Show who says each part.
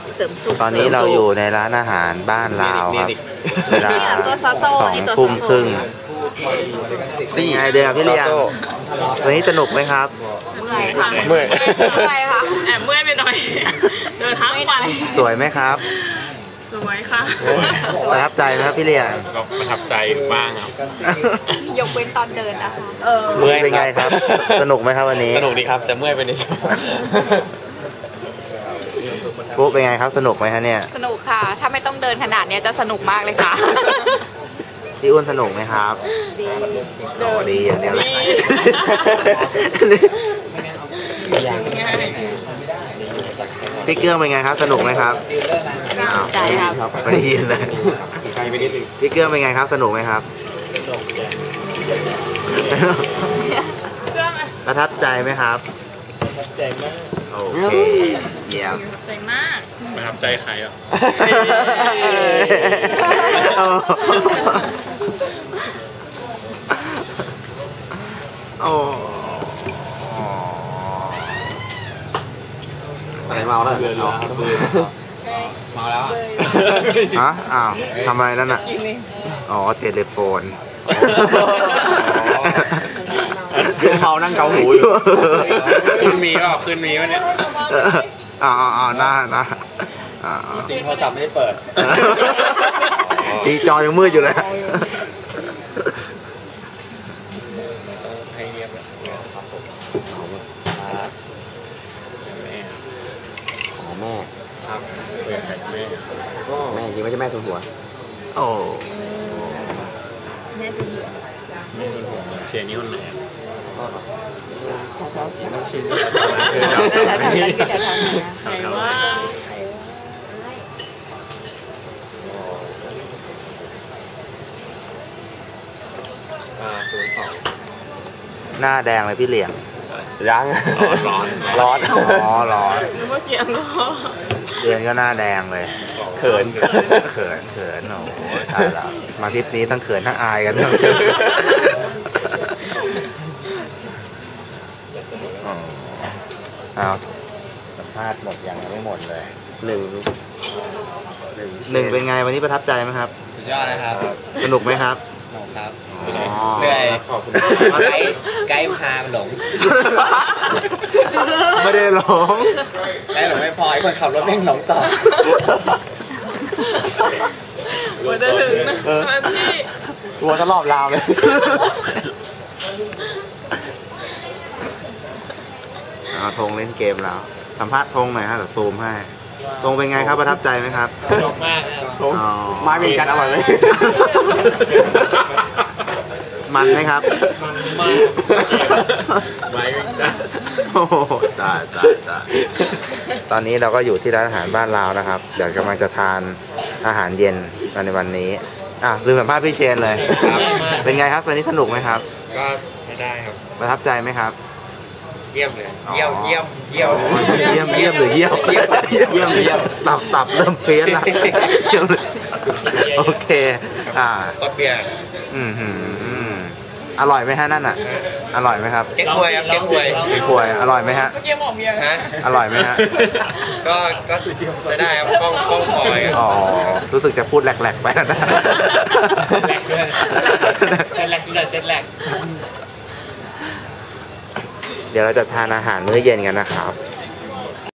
Speaker 1: เสริมสุข
Speaker 2: ตอนนี้เราอยู่ในร้านอาหารบ้านลาวครับเวลา2:30เป็นไงเดียวพี่เลี้ยงวันนี้สนุกไหมครับ
Speaker 1: เมื่อยค่ะ
Speaker 3: เมื่อยค่ะแอบเมื่อยไปหน่อยเดินทั้งวัน
Speaker 2: สวยไหมครับ
Speaker 3: สวยค่ะ
Speaker 2: ประทับใจไหมครับพี่เลี้ยง
Speaker 4: ก็ประทับใจบ้างครับ
Speaker 3: ยกเว้นตอนเดินนะคะ
Speaker 2: เมื่อยเป็นไงครับสนุกไหมครับวันนี้
Speaker 4: สนุกดีครับแต่เมื่อยไปนิด
Speaker 2: ปุ๊บเป็นไงครับสนุกไหมฮะเนี่ย
Speaker 3: สนุกค่ะถ้าไม่ต้องเดินขนาดนี้จะสนุกมากเลยค่ะ
Speaker 2: พี่อ้วนสนุกไหมครับดีอย่างเดียวพี่เกื้องเป็นไงครับสนุกไหมครับ
Speaker 3: ใจครับ
Speaker 2: ไม่ได้ยินเลยพี่เกื้องเป็นไงครับสนุกไหมครับประทับใจไหมครับ
Speaker 4: ใจมาก
Speaker 2: โอเคเยี่ยม
Speaker 3: ใจมาก
Speaker 4: ประทับใจใครอ่ะ
Speaker 2: โอ้
Speaker 4: อะไรเมาแล้วเมาแล้ว
Speaker 2: ฮะอ้าวทำอะไรนั่นอ่ะอ๋อเทเลโฟน
Speaker 4: เมานั่งเกาหูอยู่ขึ้นมีป่ะขึ้นมีวะเนี่ย
Speaker 2: หน้า
Speaker 4: จริงโทรศัพท์ไม่ได้เปิด
Speaker 2: ทีจอยังมืดอยู่เลย
Speaker 4: ให้เงียบเลยครับผม
Speaker 2: แม่
Speaker 4: ครับเปิดแ
Speaker 2: แม่จริงไม่ใช่แม่ทุนหัวโอ้
Speaker 3: แม่ทุนหัว
Speaker 4: เชียร์นิ้วไหน
Speaker 3: ใครว่า
Speaker 2: หน้าแดงเลยพี่เหลี่ยม
Speaker 4: ยัง
Speaker 2: ร้อนอ๋อร้อน
Speaker 3: หรือว่าเกียงก็
Speaker 2: เดือนก็หน้าแดงเลย
Speaker 4: เขิน
Speaker 2: โอ้โหตายแล้วมาทริปนี้ทั้งเขินทั้งอายกันเอาสัมภาษณ์หมดยังไม่หมดเลยหนึ่งเป็นไงวันนี้ประทับใจไหมครับ
Speaker 4: สุดยอดนะครับ
Speaker 2: สนุกไหมครับ
Speaker 4: ครับเหนื่อยไกด์พาหลง
Speaker 2: ไม่ได้หลง
Speaker 4: ไกด์หลงไม่พอไอ้คนขับรถแม่งหลงต่อ
Speaker 3: วันจะถึงนะที่
Speaker 2: ตัวจะรอบราวเลยธงเล่นเกมแล้วสัมภาษณ์ธงหน่อยฮะเดี๋ยวซูมให้ธงเป็นไงครับประทับใจไหมครับ
Speaker 4: ชอบมาก
Speaker 2: ครับ
Speaker 4: ไม้เป็นจันอร่อยไหม
Speaker 2: มันไหมครับ
Speaker 4: ไม้เป็นจัน
Speaker 2: โอ้ตายตอนนี้เราก็อยู่ที่ร้านอาหารบ้านลาวนะครับเดี๋ยวกำลังจะทานอาหารเย็นในวันนี้ลืมสัมภาษณ์พี่เชนเลยเป็นไงครับวันนี้สนุกไหมครับ
Speaker 4: ก็ใช้ได้ครับ
Speaker 2: ประทับใจไหมครับ
Speaker 4: เยี่ยมเลยเยี่ยมหรือเยี่ยม
Speaker 2: ตับเริ่มเพี้ยนละโอเค
Speaker 4: ก็เปีย
Speaker 2: อร่อยไหมฮะนั่นอ่ะอร่อยไหมครับ
Speaker 4: เก๊กฮวยครับเก๊กฮ
Speaker 2: วยอร่อยไหมฮะ
Speaker 3: เมื่อกี้บอกเมีย
Speaker 2: อร่อยไหมฮะ
Speaker 4: ก็ใช้ได้ครับคล่องคอย
Speaker 2: อ๋อรู้สึกจะพูดแหลกๆไปนะ
Speaker 3: เจ็ดแหลก
Speaker 2: เดี๋ยวเราจะทานอาหารมื้อเย็นกันนะครับ